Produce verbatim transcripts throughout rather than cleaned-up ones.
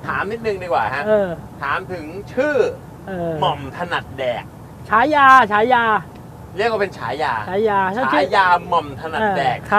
ถามนิดนึงดีกว่าฮะเออถามถึงชื่อเออหม่อมถนัดแดกฉายาฉายาเรียกว่าเป็นฉายาฉายาฉายาหม่อมถนัดแดกครับ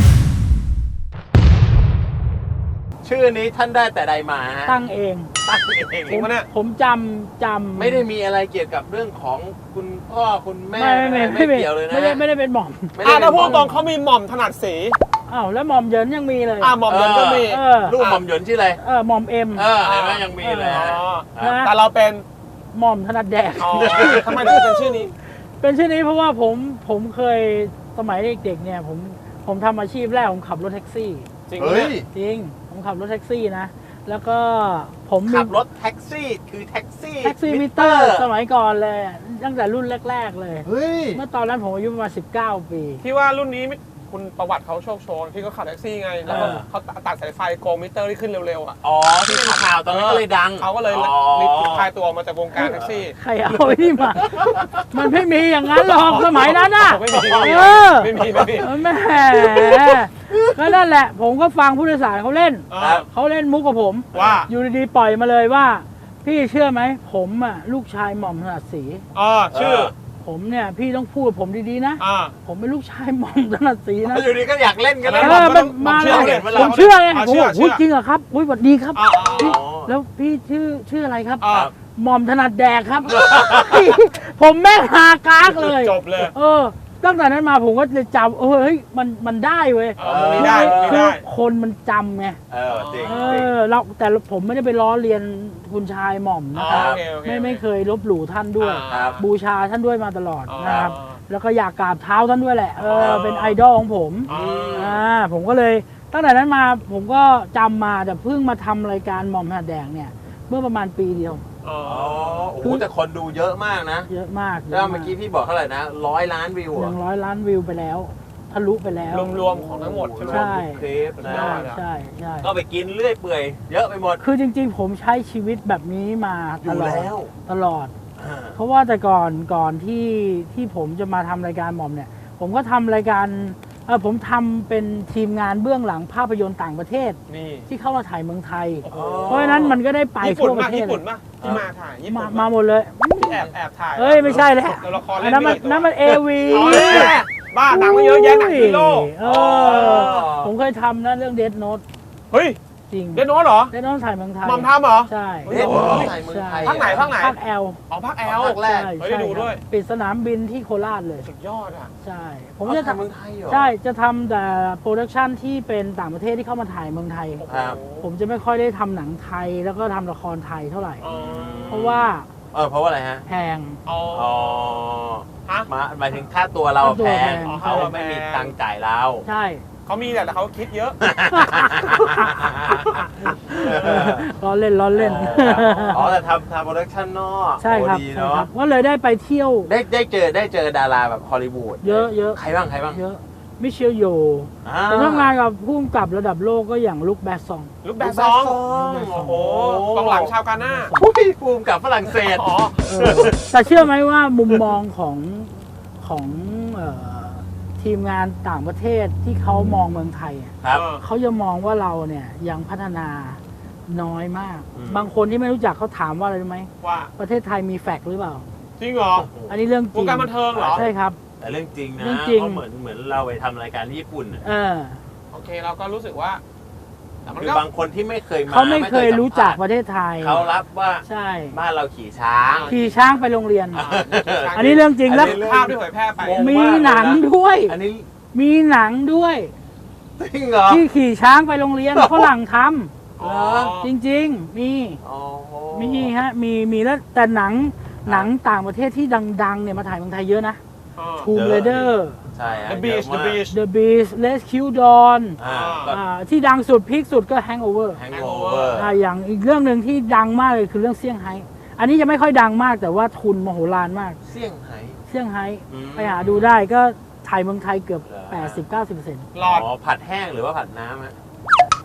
ชื่อนี้ท่านได้แต่ใดมาฮะตั้งเองตั้งเองผมผมจำจำไม่ได้มีอะไรเกี่ยวกับเรื่องของคุณพ่อคุณแม่ไม่ไม่ไม่เกี่ยวเลยนะไม่ได้ไม่ได้เป็นหม่อมไม่อ่าได้ถ้าพูดเป็นตรงเขามีหม่อมถนัดสีอ้าวแล้วหม่อมเหยินยังมีเลยอ่าหม่อมเดินก็มีเออลูกหม่อมหยวนชื่ออะไรเออหม่อมเอ็มเออเห็นไหมยังมีเลยอ๋ฮะอครับนะแต่เราเป็นหม่อมถนัดแดกอ๋อทำไมถึงเป็นชื่อนี้เป็นชื่อนี้เพราะว่าผมผมเคยสมัยเด็กๆเนี่ยผมผมทำอาชีพแรกผมขับรถแท็กซี่จริงเฮ้ยจริงผมขับรถแท็กซี่นะ แล้วก็ผมมีขับรถแท็กซี่คือแท็กซี่แท็กซี่มิเตอร์สมัยก่อนเลยตั้งแต่รุ่นแรกๆเลยเฮ้ยเมื่อตอนนั้นผมอายุประมาณสิบเก้าปีที่ว่ารุ่นนี้ไม่คุณประวัติเขาโชคโชนที่เขาขับแท็กซี่ไง แล้วก็เออเขาตัดสายไฟโกมิเตอร์ที่ขึ้นเร็วๆอ่ะอ๋อที่เป็นข่าวตอนนั้นก็เลยดังเขาก็เลยอ๋อรีบคลายตัวมาจากวงการแท็กซี่ใครเอาไอ้นี่มา มันไม่มีอย่างนั้นหรอกสมัยนั้นน่ะไม่มีเออไม่มีไม่มีแหมก็นั่นแหละ ผมก็ฟังผู้โดยสารเขาเล่นครับเขาเล่นมุกกับผมว่าอยู่ดีๆปล่อยมาเลยว่า พี่เชื่อไหมผมอ่ะลูกชายหม่อมถนัดศรีอ๋อชื่อผมเนี่ยพี่ต้องพูดกับผมดีๆนะอ่าผมเป็นลูกชายหม่อมถนัดศรีนะอยู่ดีก็อยากเล่นกันแล้แล้ว วเออมันมาผมเชื่อเลยเห็นเวลาผมเชื่อไงอ่าผมบอกเชื่ออุ๊ยจริงเหรอครับอุ้ยสวัสดีครับอ่าอ่าพี่อ๋อแล้วพี่ชื่อชื่ออะไรครับอ่าหม่อมถนัดแดกครับ ผมแม่งฮากากเลยจบเลยเออ ตั้งแต่นั้นมาผมก็เลยจำเออเฮ้ยมันมันได้เว้ยเออมันมีได้มันมีคือได้คนมันจำไงเออจริงเอจริงอเราแต่ผมไม่ได้ไปล้อเลียนคุณชายหม่อมอ๋นะอครับโอเคโอเคไม่ไม่เคยลบหลู่ท่านด้วยอ่าครับบูชาท่านด้วยมาตลอดอ๋อนะครับ แล้วก็อยากกราบเท้าท่านด้วยแหละเอออ๋อเป็นไอดอลของผมอ๋ออ่าผมก็เลยตั้งแต่นั้นมาผมก็จำมาแต่เพิ่งมาทำรายการหม่อมถนัดแดกเนี่ย เมื่อประมาณปีเดียวอ๋ออ๋อโอ้โหแต่คนดูเยอะมากนะเยอะมากแล้วเมื่อกี้พี่บอกเท่าไหร่นะร้อยล้านวิวออะย่างร้อยล้านวิวไปแล้วทะลุไปแล้วรวมๆของทั้งหมดใช่ไหมใช่ทุกคลิปนะยอดอะใช่ใช่ก็ไปกินเรื่อยเปื่อยเยอะไปหมดคือจริงๆ ผมใช้ชีวิตแบบนี้มาอยู่ตลอดแล้วตลอดอ่าเพราะว่าแต่ก่อนก่อนที่ที่ผมจะมาทำรายการหม่อมเนี่ย ผมก็ทำรายการเออผมทำเป็นทีมงานเบื้องหลังภาพยนตร์ต่างประเทศนี่ที่เข้ามาถ่ายเมืองไทยโอ้โหเพราะฉะนั้นมันก็ได้ไปญี่ปุ่นทั่วปมาระเทศญี่เลปุ่นยมาที่มาถ่ายญี่มาปุ่นมาหมดเลยที่แอบแอบถ่ายเอ้ยไม่ใช่แล้วตัวละครอัเล่นนนั้นมันไกี่ตัวนั้นมันเอวีอ๋อแน่บ้าหนังมันเยอะแยะหนังฮีโร่เออผมเคยทำนะเรื่องเด โน t เฮ้ยจริงเดนโนเหรอเด โน t ถ่ายเมืองไทยหมอมทำเหรอใช่เอ๊ะถ่ายเมืองไทยภาคไหนภาคไหนภาคแอลอ๋อภาคแอลภาคแรกใช่เฮ้ยใช่ดูครับด้วยปิดสนามบินที่โคราชเลยสุดยอดอ่ะใช่ ผผม มจะจะทำทำเมืองไทยเหรอใช่ จะทำแต่โปรดักชันที่เป็นต่างประเทศที่เข้ามาถ่ายเมืองไทยครับผมจะไม่ค่อยได้ทำหนังไทยแล้วก็ทำละครไทยเท่าไหร่อ๋อเพราะว่าเออเพราะว่าอะไรฮะแพงอ๋ออ๋อฮะมาหมายถึงค่าตัวเราค่าตัวแพแพงงเขาไม่มีตังค์จ่ายเราใช่เขามีแหละแต่เขาคิดเยอะล้อเล่นล้อเล่นอ๋อแต่ทำทำโปรดักชั่นนอกใช่ครับโอ้ดีใช่เนาะครับก็เลยได้ไปเที่ยวได้ได้เจอได้เจอดาราแบบฮอลลีวูดเยอะเยอะใครบ้างใครบ้างเยอะ มิเชลโยอ่าผมทำงานกับผู้กำกับระดับโลกก็อย่างลุคแบสซองลูกแบดซองลูกแบดซองโอ้โหกองหลังชาวกาหน้าผู้พิภูมิกับฝรั่งเศสอ๋อเออแต่เชื่อไหมว่ามุมมองของของเอ่อทีมงานต่างประเทศที่เขามองเมืองไทยอะครับเขาจะมองว่าเราเนี่ยยังพัฒนาน้อยมากอืมบางคนที่ไม่รู้จักเขาถามว่าอะไรรู้ไหมว่าประเทศไทยมีแฟกซ์หรือเปล่าจริงเหรออันนี้เรื่องจวริงงการบันเทิงเหรอใช่ครับแต่เรื่องจริงนะเรื่องจริงเพราะเหมือนเหมือนเราไปทำรายการที่ญี่ปุ่นน่ะเออโอเคเราก็รู้สึกว่าแต่มันคือก็บางคนที่ไม่เคยมาเขาไม่เคยรู้จักสัมประเทศไทยผัสเขารับว่าใช่บ้านเราขี่ช้างขี่ช้างไปโรงเรียนอ่าอันนี้เรื่องจริงแล้วอันนี้ภาพที่เผยแพร่ไปงงมีหนังด้วยอันนี้มีหนังด้วยจริงเหรอที่ขี่ช้างไปโรงเรียนฝรั่งทอ๋อำจริง ๆ มีอ๋อมีฮะมีมีแล้วแต่หนังหนังต่างประเทศที่ดังๆเนี่ยมาถ่ายเมืองไทยเยอะนะอ๋อ Tomb Raider ใช่ฮะ The Beach เยอะ The มาก Beach The Beast Rescue Dawn อ่าก็อ่าที่ดังสุดพีคสุดก็ Hangover แฮงโอเวอร์อ่าอย่างอีกเรื่องหนึ่งที่ดังมากเลยคือเรื่องเซี่ยงไฮ้อันนี้จะไม่ค่อยดังมากแต่ว่าทุนมโหฬารมากเซี่ยงไฮ้เซี่ยงไฮ้อืมไปหาดูได้ก็ถ่ายเมืองไทยเกือบเหรอแปดสิบเก้าสิบเปอร์เซ็นต์หลอดอ๋อผัดแห้งหรือว่าผัดน้ำฮะอืม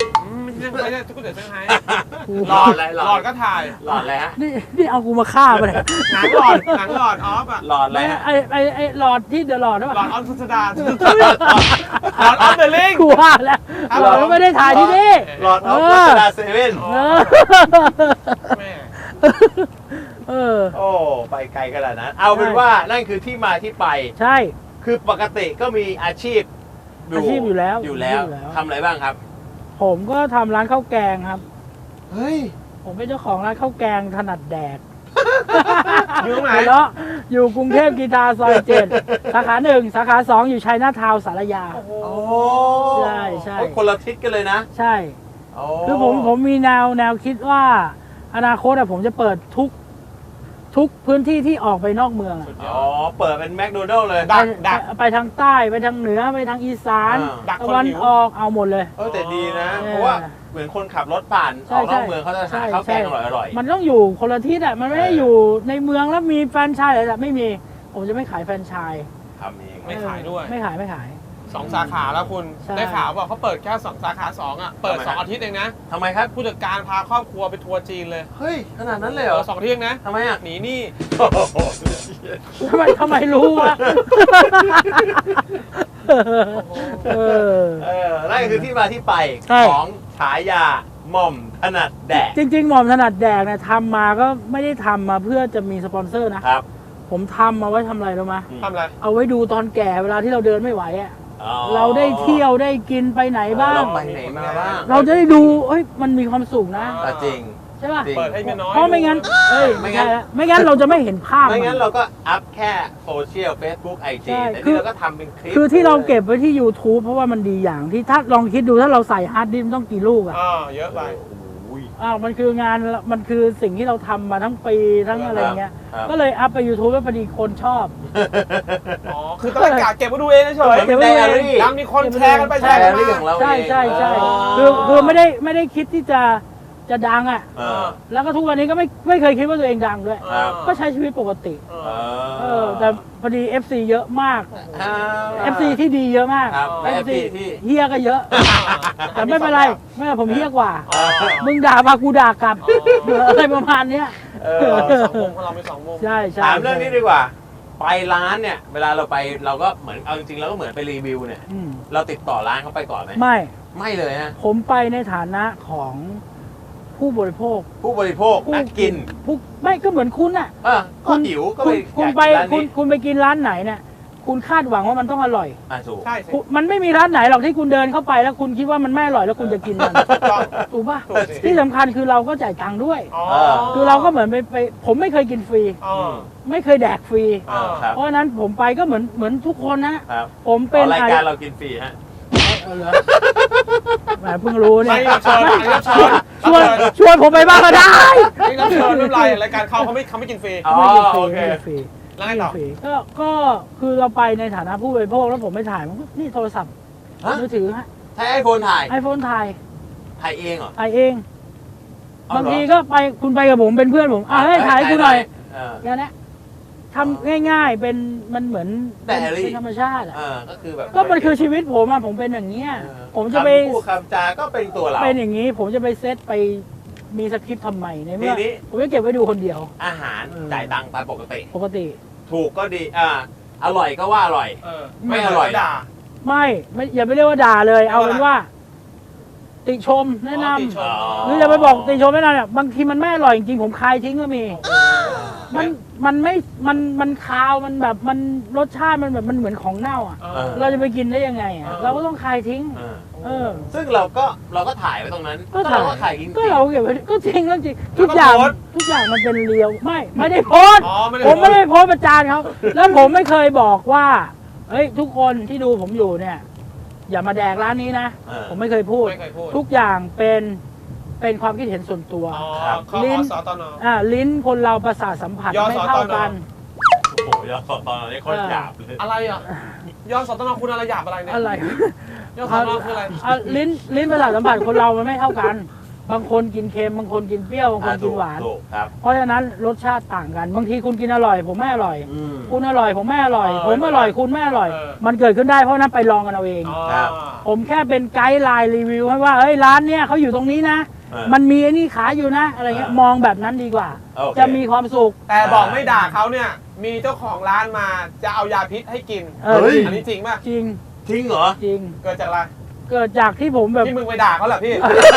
ไม่ใช่ไม่ใช่ก๋วยเตี๋ยวเซี่ยงไฮ้หลอดอะไรหลหลออดดก็ถ่ายหลอดอะไรฮะนี่นี่เอากูมาฆ่าไปเลยหนังหลอดหนังหลอดออฟอะหลอดอะไรไม่ฮะไอไอไอหลอดที่เดอะหลอดนะหลอดออฟสุสดาหลอดออฟเดอะลิงกูว่าแล้วครับหลอดไม่ได้ถ่ายที่นี่หลอดออฟเออรัชดาเซเว่นเออแม่เออโอ้ไปไกลขนาดนั้น เอาเป็นว่านั่นคือที่มาที่ไปใช่คือปกติก็มีอาชีพอาชีพอยู่แล้วอยู่แล้วอยู่แล้วทำอะไรบ้างครับผมก็ทำร้านข้าวแกงครับเฮ้ยผมเป็นเจ้าของร้านข้าวแกงถนัดแดกอยู่ตรงไหนหัวเราะอยู่กรุงเทพกีตาร์ซอยเจ็ดสาขาหนึ่งสาขาสองอยู่ชัยนาทาวน์สารยาโอ้โหโอ้ใช่ใช่โอ้คนละทิศกันเลยนะใช่โอ้คือผมผมมีแนวแนวคิดว่าอนาคตอะผมจะเปิดทุกทุกพื้นที่ที่ออกไปนอกเมืองอะอ๋อ เปิดเป็นแมคโดนัลล์เลยดักไปดักไปทางใต้ไปทางเหนือไปทางอีสานอ่าดักตะคนวันหิวออกเอาหมดเลยเออแต่ดีนะเออเพราะว่าเหมือนคนขับรถผ่านใช่ออกนอกใช่เมืองเขาจะใช่หาข้าวแกงใช่อร่อยๆมันต้องอยู่คนละที่อะมันไม่ได้เออออยู่ในเมืองแล้วมีแฟรนไชส์อะไรแบบไม่มี ผมจะไม่ขายแฟรนไชส์ทำเองไม่ขายด้วยไม่ขายไม่ขายสองสาขาแล้วคุณใช่ได้ข่าวว่าเขาเปิดแค่สองสาขาสองอ่ะเปิดทำไมสองฮะอาทิตย์เองนะทำไมครับผู้จัดการพาครอบครัวไปทัวร์จีนเลยเฮ้ย ขนาดนั้นเลยเหรเอออสองอาทิตย์เองนะทำไมอ่ะหนีหนี่โอ้โหทำไมทำไมรู้วะเออเออนั่นคือที่มาที่ไปใช่ของฉายาหม่อมถนัดแดกจริง ๆ หม่อมถนัดแดกเนี่ยทำมาก็ไม่ได้ทำมาเพื่อจะมีสปอนเซอร์นะครับผมทำมาไว้ทำอะไรรู้ไหมทำอะไรเอาไว้ดูตอนแก่เวลาที่เราเดินไม่ไหวอะอ๋อเราได้เที่ยวได้กินไปไหนบ้างเราไปไหนมาบ้างเราจะได้ดูเอ้ยมันมีความสุขนะอ่ะจริงใช่ป่ะจริงเปิดให้เมียน้อยเพราะไม่งั้นดูเอ้ยไม่ไม่งั้งั้นนไม่งั้นเราจะไม่เห็นภาพไม่งั้นมันเราก็อัพแค่โซเชียล Facebook ไอใช่จีแต่คือนี่เราก็ทำเป็นคลิปคือที่เราเก็บไว้ที่ YouTube เพราะว่ามันดีอย่างที่ถ้าลองคิดดูถ้าเราใส่ฮาร์ดดิสก์ต้องกี่ลูกอะอ่าเยอะไปโอ้ยอ้าวมันคืองานมันคือสิ่งที่เราทำมาทั้งปีทั้งอะไรเงี้ยครับก็เลยอัพไป YouTube แล้วพอดีคนชอบอ๋อ คือต้องกะเก็บไว้ดูเองเฉยเหมือนเก็บไว้ไดอารี่ๆยังมีคนแชร์กันไปแชแชร์ร์กันเรื่องของมาเราใช่เองใช่ใช่อ๋อคือคือไม่ได้ไม่ได้คิดที่จะจะดังอ่ะเออแล้วก็ทุกวันนี้ก็ไม่ไม่เคยคิดว่าตัวเองดังด้วยครับก็ใช้ชีวิตปกติเอเออเอออแต่พอดี เอฟ ซี เยอะมากอ่าเอฟ ซี ที่ดีเยอะมากครับเอฟเอฟซีซีที่เฮียก็เยอะ แต่ไม่เป็นไรไม่เป็นไรผมเฮียกว่าอ๋อมึงด่ามากูด่ากลับอะไรประมาณเนี้ยเอเอออสองวงของเรามีสองวงใช่ใช่ถามเรื่องนี้ดีกว่า ไปร้านเนี่ย เวลาเราไปเราก็เหมือนเอาจริงๆเราก็เหมือนไปรีวิวเนี่ยอืมเราติดต่อร้านเขาไปก่อนไหมไม่ไม่เลยฮะผมไปในฐานะของผู้บริโภคผู้บริโภคนักกินผู้ไม่ก็เหมือนคุณน่ะเออก็หิวก็คุไปณคุณอยากไปกินร้านคุณนี้คุณไปกินร้านไหนเนี่ยคุณคาดหวังว่ามันต้องอร่อยอ่ะถูกใช่สิคุณมันไม่มีร้านไหนหรอกที่คุณเดินเข้าไปแล้วคุณคิดว่ามันไม่อร่อยแล้วคุณจะกินมันถูกต้องถูกป่ะถูกสิที่สำคัญคือเราก็จ่ายตังค์ด้วยอ๋อคือเราก็เหมือนไปไปผมไม่เคยกินฟรีอ๋อไม่เคยแดกฟรีอ่าครับเพราะฉะนั้นผมไปก็เหมือนเหมือนทุกคนนะครับ ผมเป็เป็น นรายการเรากินฟรีฮะเอาเหรอแหมเพิ่งรู้เนี่ไม่ยรับเชิญไม่รับเชิญชวนชวนผมไปบ้างก็ได้ไม่รับเชิญไม่เป็นไรรายการเขาเขาไม่เขาไม่กินฟรีอ๋อไม่กินฟรีโอเคไม่กินฟรีแล้วไงต่อฟรีก็ก็คือเราไปในฐานะผู้บริโภคแล้วผมไม่ถ่ายมันก็นี่โทรศัพท์ฮะมือถือฮะใช้ไอโฟนถ่ายไอโฟนถ่ายถ่ายเองเหรอถ่ายเองเอาบางเหรอทีก็ไปคุณไปกับผมเป็นเพื่อนผมอ่ะให้ถ่ายให้กูหน่อยเอออย่างนี้ทำง่ายๆเป็นมันเหมือนไดอารี่เป็นธรรมชาติอ่ะเออก็คือแบบก็มันคือชีวิตผมอ่ะผมเป็นอย่างเงี้ยเออผมจะไปคำพูดคำจาก็เป็นตัวเราเป็นอย่างนี้ ผมจะไปเซตไปมีสคริปต์ทำไมในเมื่อทีนี้ผมจะเก็บไว้ดูคนเดียวอาหารเออจ่ายตังค์ตามปกติปกติถูกก็ดีอ่าอร่อยก็ว่าอร่อยเออไม่อร่อยด่าไม่ไม่อย่าไปเรียกว่าด่าเลย เอาเป็นว่า ติชมแนะนอ๋อติชมำหรืออย่าไปบอกติชมแนะนำเนี่ยบางทีมันไม่อร่อยจริงๆผมคายทิ้งก็มี มันมันไม่มันมันคาวมันแบบมันรสชาติมันแบบมันเหมือนของเน่าอ่ะเอเอออเราจะไปกินได้ยังไงอ่ะเออเราก็ต้องคายทิ้งเออเออซึ่งเราก็เราก็ถ่ายไว้ตรงนั้นก็ถ่ายเราก็ถ่ายจริงๆก็เราเก็บไว้ก็จริงก็จริงแล้วก็ทุกอย่างโพสต์ทุกอย่างมันเป็นเรียวไม่ไม่ได้โพสต์อ๋อไม่ได้ผมไม่ได้โพสต์ประจานเขาแล้วผมไม่เคยบอกว่าเฮ้ยทุกคนที่ดูผมอยู่เนี่ย อย่ามาแดกร้านนี้นะเออผมไม่เคยพูดไม่เคยพูดทุกอย่างเป็นเป็นความคิดเห็นส่วนตัวอ๋อครับข้อลิ้นสตนอ่าลิ้นคนเราประสาทสัมผัสยอไม่สตนเท่ากันโอ้โหยอดตอนนี้โคตรหยาบเลยอะไรอ่ะยอดสตนคุณอะไรหยาบอะไรเนี่ยอะไรยอดสตนคืออะไรอ่ะลิ้นลิ้นประสาทสัมผัสคนเรามันไม่เท่ากันอบางคนกินเค็มบางคนกินเปรี้ยวบางคนกินหวานถูกครับเพราะฉะนั้นรสชาติต่างกัน บางทีคุณกินอร่อย ผมไม่อร่อยอืมคุณอร่อยผมไม่อร่อยเออผมอร่อยคุณไม่อร่อยเออมันเกิดขึ้นได้เพราะฉะนั้นไปลองกันเอาเองอ๋อครับผมแค่เป็นไกด์ไลน์รีวิวให้ว่าเฮ้ยร้านเนี้ยเขาอยู่ตรงนี้นะเออมันมีไอ้นี่ขายอยู่นะ อะไรเงี้ยเออมองแบบนั้นดีกว่าโอเคจะมีความสุขแต่บอกไม่ด่าเขาเนี่ย มีเจ้าของร้านมาจะเอายาพิษให้กินเออเฮ้ยอันนี้จริงป่ะจริงจริงเหรอจริงเกิดจากอะไรเกิดจากที่ผมแบบที่มึงไปด่าเขาเหรอพี่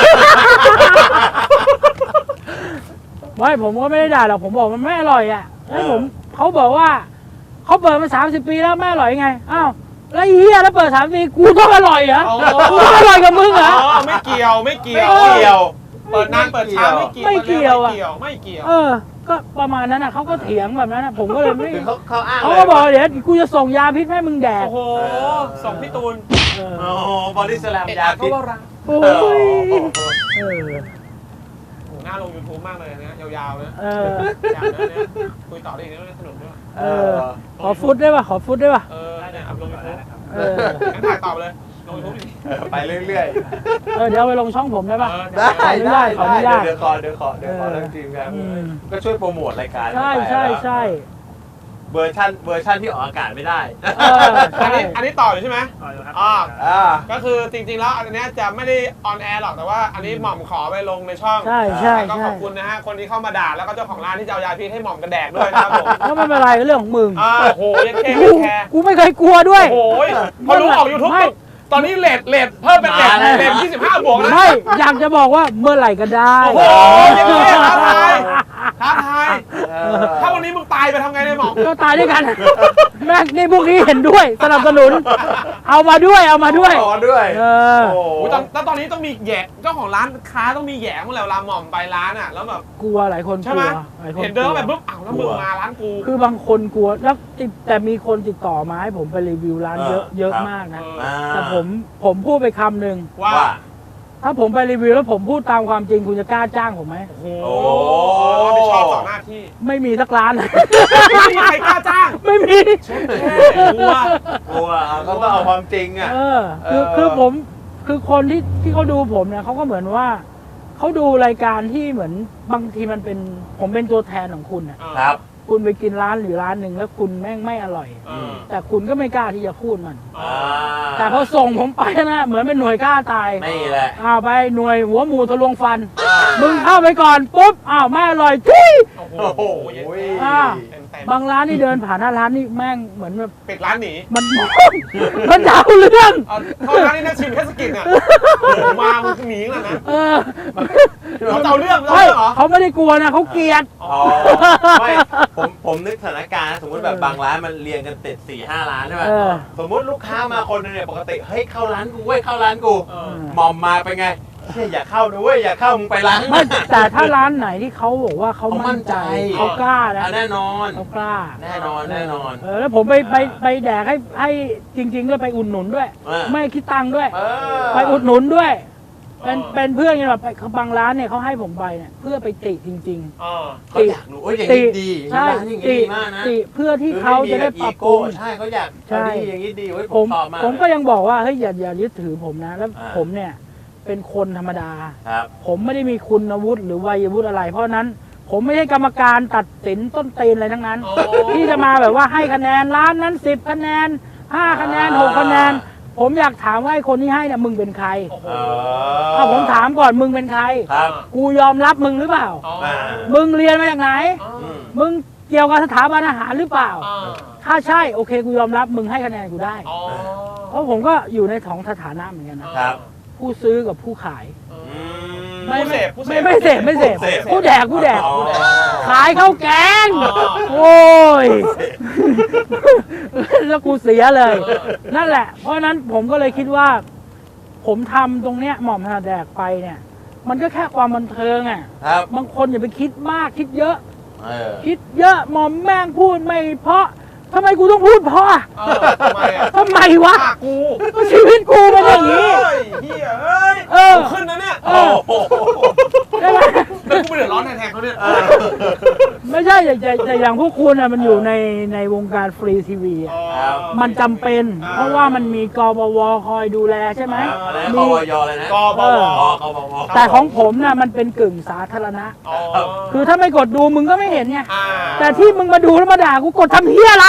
ไม่ผมก็ไม่ได้ด่าหรอกผมบอกมันไม่อร่อยอ่ะให้ผมเขาบอกว่าเขาเปิดมาสามสิบปีแล้วไม่อร่อยไงอ้าวแล้วไอ้เฮียแล้วเปิดสามปีกูต้องอร่อยเหรออ๋อกูต้องอร่อยกับมึงเหรออ๋อไม่เกี่ยวไม่เกี่ยวไม่เกี่ยวเปิดนานเปิดช้าไม่เกี่ยวไม่เกี่ยวอะไม่เกี่ยวไม่เกี่ยวเออ ก็ประมาณนั้นอ่ะเขาก็เถียงแบบนั้นอะผมก็เลยไม่คือเขาเขาอ้างเขาเลยก็บอกว่าเดี๋ยวกูจะส่งยาพิษให้มึงแดกโอ้โหส่งพี่ตูนเออโอ้โหบอดี้สแลมเอ็ดยาอัดพิษก็ว่ารักโอ้เออยเออโอ้โหน่าลง YouTube มากเลยนะยาวๆนะเออยาวนะเนี่ยคุยต่อได้อีกนะสนุกด้วยเออ ขอฟุตได้ป่ะขอฟุตได้ป่ะเออเนี่ยอัพลง YouTube เอองั้นถ่ายต่อไปเลยลง YouTube ดิเออไปเรื่อยเออเดี๋ยวเอาไปลงช่องผมได้ป่ะเออๆ ได้ขออนุญาได้ตขออนุได้ญาตเดี๋ยวขอเดี๋ยวขอเดี๋ยวขอเออเรื่องทีมครับอืมก็ช่วยโปรโมทรายการใช่ใช่ใช่เวอร์ชันเวอร์ชันที่ออกอากาศไม่ได้เอออันนี้อันนี้ต่ออยู่ใช่ไหมอ่าอ่าก็คือจริงๆแล้วอันเนี้ยจะไม่ได้ออนแอร์หรอกแต่ว่าอันนี้หม่อมขอไปลงในช่องใช่ใช่ก็ใช่ขอบคุณนะฮะคนที่เข้ามาด่าแล้วก็เจ้าของร้านที่จะเอายาพิษให้หม่อมกระแดกด้วยนะครับผมก็ไม่เป็นไรเรื่องของมึงอ่าโอ้โหยังแค่กูแค่กูไม่เคยกลัวด้วยโอ้โหพอรู้ออกยูทูบไม่ตอนนี้เลทเลทเพิ่มเป็นเลทมาแล้วเลทยี่สิบห้าบวกนะไม่อยากจะบอกว่าเมื่อไหร่ก็ได้โอ้โหยังไงท้าทายท้าทายเออถ้าวันนี้มึงตายไปทำไงเนี่ยหม่อมก็ตายด้วยกัน แม่งนี่พวกนี้เห็นด้วยสนับสนุน เอามาด้วยเอามาด้วยขอด้วยเออโอ้โหโอ้ยตอนแล้วตอนนี้ต้องมีแหย่เจ้าของร้านค้าต้องมีแหย่เมื่อไหร่เวลาหม่อมไปร้านอ่ะแล้วแบบกลัวหลายคนกใช่ลัไหมวหลายคนเห็นเดินกลัวแบบปุ๊บอ้าวแล้วมึงมาร้านกูคือบางคนกลัวแล้วติดแต่มีคนติดต่อมาให้ผมไปรีวิวร้านเยอะเออเยอะครับมากนะเอออ่าแต่ผมผมพูดไปคำหนึ่งว่าว่าถ้าผมไปรีวิวแล้วผมพูดตามความจริงคุณจะกล้าจ้างผมไหมโอ้โหโอ้รับผิดชอบต่อหน้าที่ไม่มีสักร้านไม่มีใครกล้าจ้างไม่มีกลัวกลัวอ่ะเขาต้องเอาความจริงอ่ะเออคือเออคือผมคือคนที่ที่เขาดูผมเนี่ยเขาก็เหมือนว่าเขาดูรายการที่เหมือนบางทีมันเป็นผมเป็นตัวแทนของคุณน่ะครับคุณไปกินร้านหรือร้านหนึ่งแล้วคุณแม่งไม่อร่อยเออแต่คุณก็ไม่กล้าที่จะพูดมันอ่าแต่พอส่งผมไปนะเหมือนเป็นหน่วยกล้าตายนี่แหละอ้าวไปหน่วยหัวหมูทะลวงฟัน มึงเข้าไปก่อนปุ๊บอ้าวไม่อร่อยทุยโอ้โหโอ้โหอ่าเต็มเต็มบางร้านนี่เดินผ่านหน้าร้านนี่แม่งเหมือนแบบปิดร้านหนีมัน มันจะเอาเรื่องเอาเข้าร้านนี่นะชิมแค่สกินอ่ะโอ้โหมามึงหนีแล้วนะเออเขาจะเอาเรื่องเขาไม่จะเอาเรื่องเหรอเขาไม่ได้กลัวนะเขาเกลียดอ๋อไม่ผมผมนึกสถานการณ์สมมติแบบบางร้านมันเรียงกันติดสี่ห้าร้านใช่ไหมเออสมมติลูกค้ามาคนหนึงเนี่ยปกติเฮ้ยเข้าร้านกูเว้ยเข้าร้านกูเออหมอมมาเป็นไงเฮ้ยอย่าเข้านะเว้ยอย่าเข้ามึงไปร้านไม่แต่ถ้าร้านไหนที่เขาบอกว่าเขาเขามั่มั่นนใจใจเขากล้านะอ่ะแน่นอนเขากล้าแน่นอนแน่นอนเออแล้วผมไปไปไปแดกให้ให้จริงๆด้วยไปอุดหนุนด้วยเออไม่คิดตังค์ด้วยเออไปอุดหนุนด้วย เป็นเออเป็นเพื่อนกันแบบไปบางร้านเนี่ยเขาให้ผมไปเนี่ยเพื่อไปติจริงเออเขาอยากรู้โอ้ยอย่างๆ ตินี้ดีใช่ร้านอย่างนี้ติดีมากนะติเพื่อที่เขาจะได้ปรับปรุงใช่เขาอยากใช่เอาดีอย่างนี้ดีเว้ยผผม มชอบมากผมก็ยังบอกว่าเฮ้ยอย่าอย่ายึดถือผมนะ แล้วอ่าผมเนี่ยเป็นคนธรรมดาครับผมไม่ได้มีคุณวุฒิหรือวัยวุฒิอะไร เพราะฉะนั้น ผมไม่ใช่กรรมการตัดสินต้นตีนอะไรทั้งนั้นโอ้ที่จะมาแบบว่าให้คะแนนร้านนั้นสิบคะแนนห้าคะแนนหกคะแนน ผมอยากถามว่าไอ้คนที่ให้เนี่ยมึงเป็นใครโอ้โหเอเอาผมถามก่อนมึงเป็นใครครับกูยอมรับมึงหรือเปล่าอ๋ออ่ามึงเรียนมาจากไหนอ๋ออืมมึงเกี่ยวกับสถาบันอาหารหรือเปล่าอ๋อถ้าใช่โอเคกูยอมรับมึงให้คะแนนกูได้อ๋อเพราะผมก็อยู่ในของสถานะเหมือนกันนะครับ ผู้ซื้อกับผู้ขายเออือมผู้เสพผู้เสพไม่ไม่เสพไม่เสพผู้เสพผู้แดกผู้แดกอ๋อขายข้าวแกงอ๋อโอ้ย แล้วกูเสียเลยเออนั่นแหละ เพราะฉะนั้นผมก็เลยคิดว่า ผมทำตรงเนี้ยหม่อมถนัดแดกไปเนี่ย มันก็แค่ความบันเทิงอ่ะครับบางคนอย่าไปคิดมากคิดเยอะเออคิดเยอะหม่อมแม่งพูดไม่เพราะทำไมกูต้องพูดเพราะเออทำไมอ่ะทำไมวะฆ่ากูก็ชีวิตกูเป็นอย่างนี้เฮ้ยเฮียเอ้ยเออกูขึ้นนะเนี่ยเอโอ้อโหใช่ไหมแล้วกูไปเดือดร้อนแทนๆเขาเนี่ยเออไม่ใช่แต่แต่แต่อย่างพวกคุณอ่ะมันอยู่ในในวงการฟรีทีวีอ่ะครับมันจำเป็น เพราะว่ามันมีกบวคอยดูแลใช่ไหมอะไรนะมีกวยอะไรนะกบวอ๋อกบวแต่ของผมน่ะมันเป็นกึ่งสาธารณะอ๋อคือถ้าไม่กดดูมึงก็ไม่เห็นไงอ่าแต่ที่มึงมาดูแล้วมาด่ากูกดทำเฮียอะไร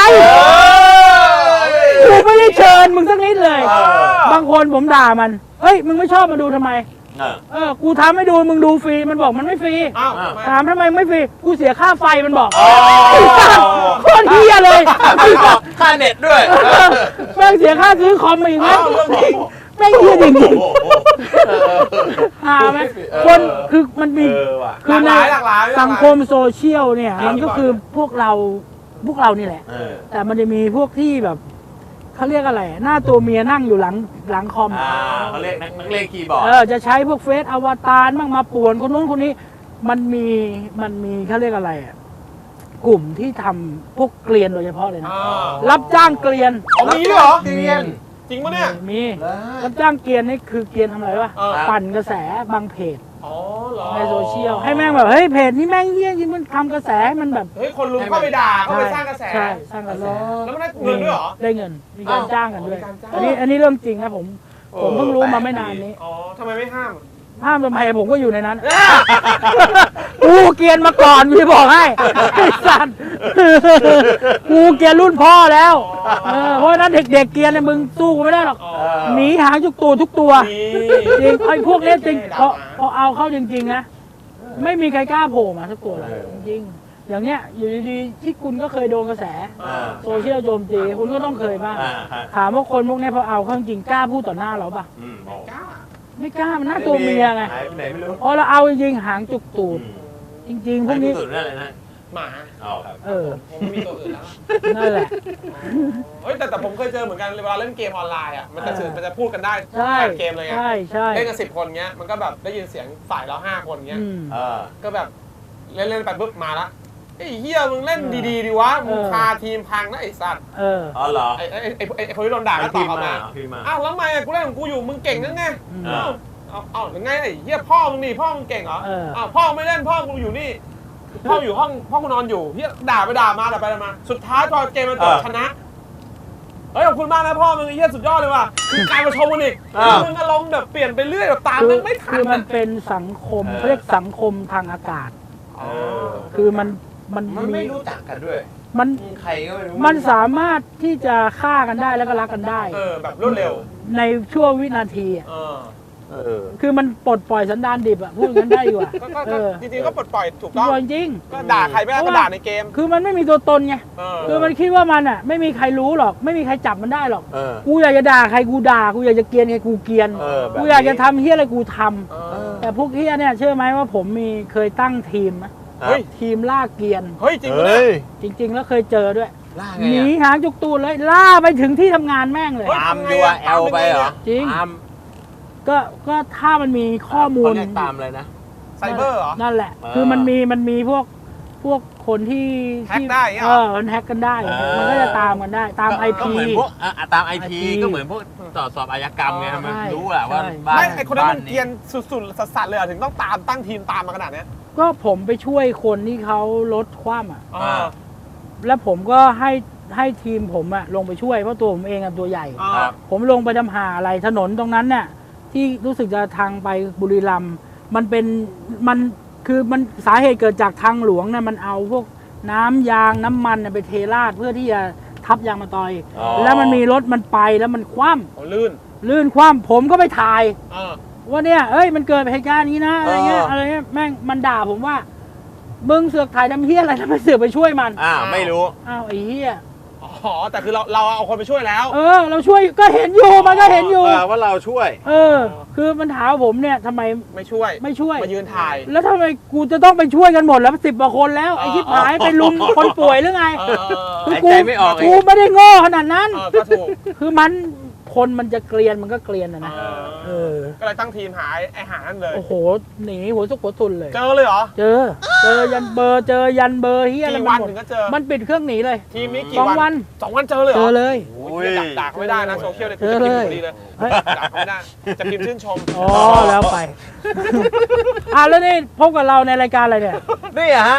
กูไม่ได้เชิญมึงสักนิดเลยเออบางคนผมด่ามัน เฮ้ย มึงไม่ชอบมาดูทำไมเออเออ กูทำให้ดู มึงดูฟรี มันบอกมันไม่ฟรีอ้าวถามทำไมไม่ฟรี กูเสียค่าไฟมันบอกอ๋อโคตรเฮียเลยไอ้สัสค่าเน็ตด้วยแม่งเสียค่าซื้อคอมมาอีกไหมอ้าวเรื่องจริงแม่งเฮียจริงโอ้โหๆหาไหมเออคนคือมันมีเออว่ะหลากหลายหลากหลายสังคมโซเชียลเนี่ยครับมันก็คือพวกเรา พวกเรานี่แหละเออแต่มันจะมีพวกที่แบบเขาเรียกอะไร หน้าตัวเมียนั่งอยู่หลังหลังคอมอ่าเขาเรียกนักนักเลงคีย์บอร์ดเออจะใช้พวกเฟซอวตารบ้างมาป่วนคนนู้นคนนี้ มันมีมันมีเขาเรียกอะไรอ่ะกลุ่มที่ทำพวกเกลียนโดยเฉพาะเลยนะอ่ารับจ้างเกลียนเอามีด้วยเหรอเรียนจริงปะเนี่ยมีรับจ้างเกลียนนี่คือเกลียนทำอะไรวะเออปั่นกระแสบางเพจอ๋อเหรอในโซเชียลให้แม่งแบบเฮ้ยเพจนี้แม่งเยี่ยจริงมันทำกระแสให้มันแบบเฮ้ยคนลุมเข้าไปด่าเข้าไปสร้างกระแสใช่สร้างกระแสแล้วมันได้เงินด้วยเหรอได้เงินมีการอ้าวจ้างกันด้วยมีการจ้างอันนี้อันนี้เรื่องจริงนะผมผมเพิ่งรู้มาไม่นานนี้อ๋อทำไมไม่ห้ามห้ามทำไมผมก็อยู่ในนั้น กูเกรียนมาก่อนพี่บอกให้ไอ้สัตว์กูเกรียนรุ่นพ่อแล้วเออเพราะฉะนั้นเด็กๆเกรียนเนี่ยมึงสู้กูไม่ได้หรอกอ๋อหนีหางทุกตัวทุกตัวนี่จริงไอ้พวกเนี้ยจริงพอด่ามาพอเอาเข้าจริงๆนะไม่มีใครกล้าโผล่มาสักตัวเลยเออจริงๆอย่างเนี้ยอยู่ดีๆที่คุณก็เคยโดนกระแสอ่าโซเชียลโจมตีคุณก็ต้องเคยบ้างอ่าฮะถามว่าคนพวกเนี้ยพอเอาเข้าจริงกล้าพูดต่อหน้าเราปะอืมโอ้กล้าไม่กล้ามันหน้าตัวเมียไงหายไปไหนไม่รู้พอเราเอาจริงๆหางจุกตูด จริงๆ พวกนี้หายไปสุดนั่นเลยนะหมาอ๋อครับเออผมไม่มีตัวอื่นแล้วนั่นแหละเฮ้ยแต่แต่ผมเคยเจอเหมือนกันเวลาเล่นเกมออนไลน์อ่ะมันจะสื่อมันจะพูดกันได้ใช่ผ่านเกมเลยไงใช่ใช่เล่นกันสิบคนเงี้ยมันก็แบบได้ยินเสียงฝ่ายเราห้าคนเงี้ยอืมเออก็แบบเล่นเล่นไปปุ๊บมาละไอ้เฮียมึงเล่นดีๆดีวะมึงเออพาทีมพังนะไอ้สัตว์เอออ๋อเหรอไอ้ไอ้ไอ้ไอ้ไอ้คนที่โดนด่าก็ตพิอบมพ์กลับมามาพิมพ์มาอ้าวแล้วทำไมอะกูเล่นของกูอยู่มึงเก่งนั่นไงอืมอ้าวเอาเอาหรือไงไอ้เฮียพ่อมึงนี่พ่อมึงเก่งเหรอเอออ้าวพ่อไม่เล่นพ่อกูอยู่นี่พ่ออยู่ห้องพ่อกูนอนอยู่เฮียด่าไปด่ามาด่าไปด่ามา สุดท้ายพอเกมมันจบเออชนะเฮ้ยขอบคุณมากนะพ่อมึงไอ้เฮียสุดยอดเลยว่ะคือกลายมาชมมันอีกอ้าวมึงอารมณ์แบบเปลี่ยนไปเรื่อยแบบตามคืมึองไม่ทัคืนอมันอะเป็นสังคมเออเขาเรียกสังคมทางอากาศเออคือมันมันมันไม่มีรู้จักกันด้วยมันใครก็ไม่รู้มันสามารถที่จะฆ่ากันได้แล้วก็รักกันได้เออแบบรวดเร็วในช่วงวินาทีอะเออเออคือมันปลดปล่อยสันดานดิบอะพูดงั้นได้ดีกว่าก็ก็เอก็อจริงๆก็ปลดปล่อยถูกจต้องริงก็ด่าใครไม่ได้ก็ด่าในเกมๆคือมันไม่มีตัวตนไงเออคือมันคิดว่ามันอ่ะ ไม่มีใครรู้หรอก ไม่มีใครจับมันได้หรอกเออกูอยากจะด่าใครกูด่ากูอยากจะเกลียนใครกูเกลียนเออแบบนี้กูอยากจะทำเฮียอะไรกูทำเออแต่พวกเฮียเนี่ยเชื่อไหมว่าผมมีเคยตั้งทีมนะเฮ้ยทีมล่าเกลียนเฮ้ยจริงปะเนี่ยจริง ๆ แล้วเคยเจอด้วยล่าหไงนีอะหางจุกตูดเลยล่าไปถึงที่ทำงานแม่งเลยเฮ้ยตามยูอาร์แอลไปเหรอจริงตามก็ก็ถ้ามันมีข้อมูลเขาเรียกตามเลยนะไซเบอร์เหรอนั่นแหละอ่าคือมันมีมันมีพวกพวกคนที่แฮ็กที่ได้อย่างเงี้ยเอเหรออมันแฮกกันได้อ่ามัมันก็จะตามกันได้ตามไอก็พีเหมือนพวกอ่ะอ่ะตามไอพีไอ พีก็เหมือนพวกตรวจสอบอาชญากรรมไงใช่มันรู้แหละว่าใช่บ้านไม่ไอคนนั้นมันบ้าเกรียนสุดๆสัสๆเลยเหรอถึงต้องตามตั้งทีมตามมาขนาดเนี้ยก็ผมไปช่วยคนที่เขาลดความอ่ะอ่าแล้วผมก็ให้ให้ทีมผมอะลงไปช่วยเพราะตัวผมเองอะตัวใหญ่อ่าครับผมลงไปทำหาอะไรถนนตรงนั้นเนี่ยที่รู้สึกจะทางไปบุรีรัมย์มันเป็นมันคือมันสาเหตุเกิดจากทางหลวงเนี่ยมันเอาพวกน้ำยางน้ำมันเนี่ยไปเทราดเพื่อที่จะทับยางมะตอยอ๋อแล้วมันมีรถมันไปแล้วมันคว่โอ้ลื่นำลื่นคว่ำผมก็ไปถ่ายอ่าว่าเนี่ยเอ้ยมันเกิดเหตุการณ์นี้นะอะไรเงี้ยเออออะไรเงี้ยแม่งมันด่าผมว่ามึงเสือกถ่ายดำเฮี้ยอะไรแล้วไปเสือกไปช่วยมันอ่าไม่รู้อ้าวไอ้เฮี้ยอ๋อแต่คือเราเราเอาคนไปช่วยแล้วเออ เราช่วยก็เห็นอยู่มันก็เห็นอยู่เออว่าเราช่วยเออ คือมันถามผมเนี่ยทำไมไม่ช่วยไม่ช่วยมายืนถ่ายแล้วทำไมกูจะต้องไปช่วยกันหมดแล้วสิบกว่าคนแล้วไอ้ที่หายไปลุมคนป่วยหรือไงเออเออคือหายกูใจไม่ออกอีกกูไม่ได้โง่ขนาดนั้นเออก็ถูกคือมันคนมันจะเกลียนมันก็เกลียนนะนะเออเออก็เลยตั้งทีมหาไอ้หานั่นเลยโอ้โหหนีหัวซุกหัวตุนเลยเจอเลยเหรอเจอ เจอยันเบอร์เจอยันเบอร์เฮียอะไรกี่มัวันนหมดถึงก็เจอมันปิดเครื่องหนีเลยทีมนี้สกี่องวัวัน นสองวันเจอเลยเหรเจออเลยโอ้ยดักดักไม่ได้นะโซเชียลเลยเจอเลยจะพิมพ์พอดีเลยดักไม่ได้จะพิมพ์ชื่นชมอ๋อแล้วไป อ่ะแล้วนี่พบกับเราในรายการอะไรเนี่ยนี่อะฮะ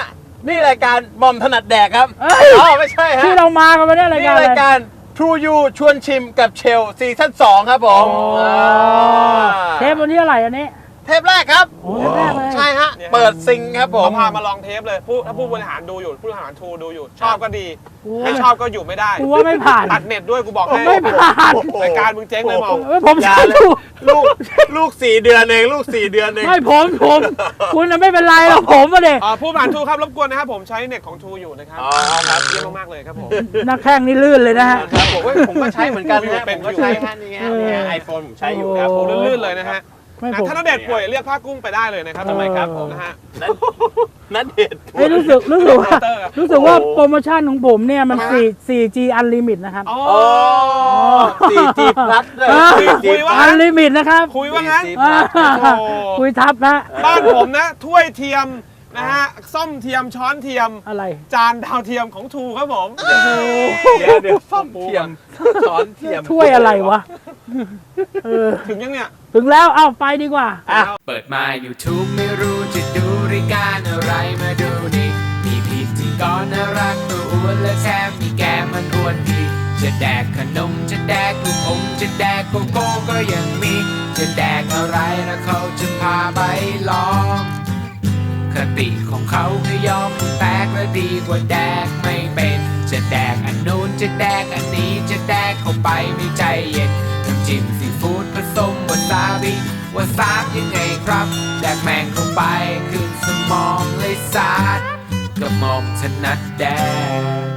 นี่รายการบอมถนัดแดกครับเอ้ยอ๋อไม่ใช่ฮะที่เรามากันวันนี้รายนี่การอะไรรายการ True You ชวนชิมกับเชลซีซั่นสองครับผมโอ้อ่าเทปวันที่อะไหรอันนี้เทปแรกครับโอ้เทปแรกเลยใช่ฮะเนี่ยเปิดซิงครับผมเขาพามาลองเทปเลยผู้ถ้าผู้บริหารดูอยู่ผู้บริหารทูดูอยู่ ชอบก็ดีโอ้ไม่ชอบก็อยู่ไม่ได้กูว่าไม่ผ่านตัดเน็ตด้วยกูบอกให้ไม่ผ่านรายการมึงเจ๊งเลยมองเอ้ยผมอย่าใช้เลยถูกลูกลูกสี่เดือนเองลูกสี่เดือนเองไม่ผมผมคุณน่ะไม่เป็นไรหรอกผมอะเด็กอ่าผู้บริหารทูครับรบกวนนะครับผมใช้เน็ตของทูอยู่นะครับอ๋อครับเยี่ยมมากๆเลยครับผมนักแข่งนี่ลื่นเลยนะฮะครับผมเว้ยผมก็ใช้เหมือนกันนะเป็ผนมก็ใช้ฮะนี่ฮะนี่ฮะไอโฟนผมใช้อยู่ครับโอ้โอ้ลื่นๆเลยนะฮะไม่อ่ะผมถ้าณเดชน์ป่วยเรียกผ้ากุ้งไปได้เลยนะครับทำไมครับผมนะฮะนั่นนั่นเด็ดเอ้ยรู้สึกรู้สึกว่าเตอร์อะรู้สึกว่าโอ้โปรโมชั่นของผมเนี่ยมัน4 4G Unlimit นะครับอ๋อโอ้ สี่จี plus ด้วยอ่าสี่จีคุยว่าอันลิมิตนะครับคุยว่างั้นสี่จีอ่าโอ้คุยทับนะบ้านผมนะ ถ้วยเทียมนะฮะส้อมเทียมช้อนเทียมอะไรจานดาวเทียมของทูครับผมเดี๋ยวเดี๋ยวซ่อมเทียมช้อนเทียมถ้วยอะไรวะเออถึงยังเนี่ยถึงแล้วเอาไปดีกว่าอ่ะเปิดมา YouTube ไม่รู้จะดูรายการอะไรมาดูนี่มีพิธีกรน่ารักตัวอ้วนและแถมมีแกมันอ้วนดีจะแดกขนมจะแดกลูกอมจะแดกโกโก้ก็ยังมี จะแดกอะไรแล้วเขาจะพาไปลองคติของเขาคือยอมผู้แตกและดีกว่าแดกไม่เป็นจะแดกอันนู้นจะแดกอันนี้จะแดกเข้าไปไม่ใจเย็นน้ำจิ้มซีฟู้ดผสมวาซาบิวาซาบยังไงครับแดกแมงเข้าไปขึ้นสมองเลยสาดกระหม่อมถนัดแดก